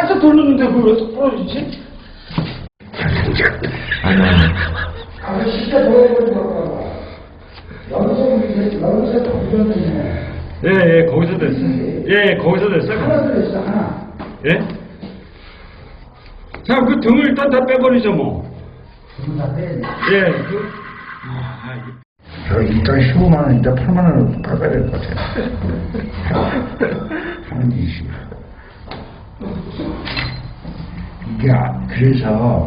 살짝 돌렸는데 그걸 왜 또 부러지지? 아, 진짜 보여버린 거 여기서 돌렸네. 예, 거기서 됐어. 예, 거기서 됐어. 하나 들었어, 하나. 예? 자, 그 등을 일단 다 빼버리죠, 뭐. 다 빼야 돼. 예, 저 일단 15만 원인데 8만 원을 받아야 될 것 같아요. 하는 짓이. 이게, 그래서,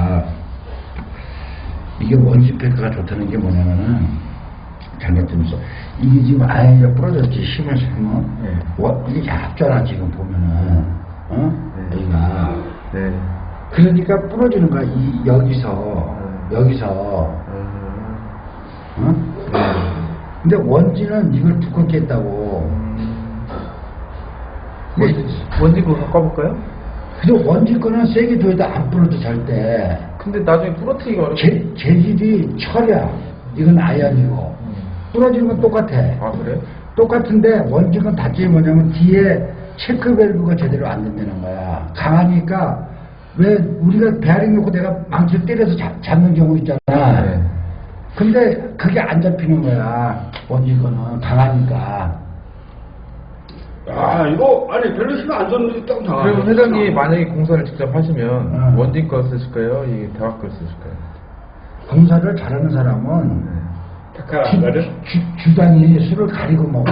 이게 원시페크가 좋다는 게 뭐냐면은, 잘못되면서, 이게 지금 아예 부러졌지, 힘을 세면. 이게 얇잖아, 지금 보면은. 여기가. 그러니까 부러지는 거야, 여기서. 근데 원지는 이걸 두껍게 했다고. 원지 그거 바꿔볼까요? 근데 원지 거는 세게 둬도 안 부러져, 절대. 근데 나중에 부러뜨리기가 어렵고. 재질이 철이야. 이건 아연이고. 부러지는 건 똑같아. 아, 그래? 똑같은데 원지 건 단점이 뭐냐면 뒤에 체크밸브가 제대로 안 된다는 거야. 강하니까 왜 우리가 베어링 놓고 내가 망치를 때려서 잡는 경우 있잖아. 네. 근데 그게 안 잡히는 거야. 원지 거는 강하니까. 아, 이거, 아니, 별로 힘 안 줬는데 딱 나와. 그러면 회장님이 만약에 공사를 직접 하시면 응. 원진 거 쓰실까요? 이 대학 걸 쓰실까요? 공사를 잘하는 사람은 takar 안 가려? 주당이 술을 가리고 먹어.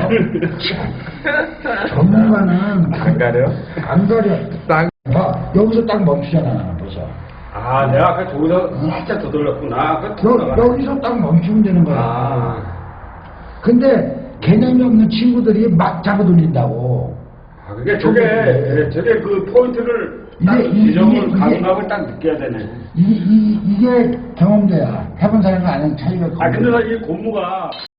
전문가는 안 가려요? 안 가려. 딱. 봐, 여기서 딱 멈추잖아, 벌써. 아, 내가 아까 저기서 살짝 더 돌렸구나. 아까 여기서 딱 멈추면 되는 거야. 아. 근데 개념이 없는 친구들이 막 잡아 돌린다고. 아, 그게 저게 그 포인트를 딱 이게- 지점을 이게- 감각을 딱 느껴야 되네. 이게 경험돼야. 해본 사람과 아는 차이가. 아, 근데 나 이 고무가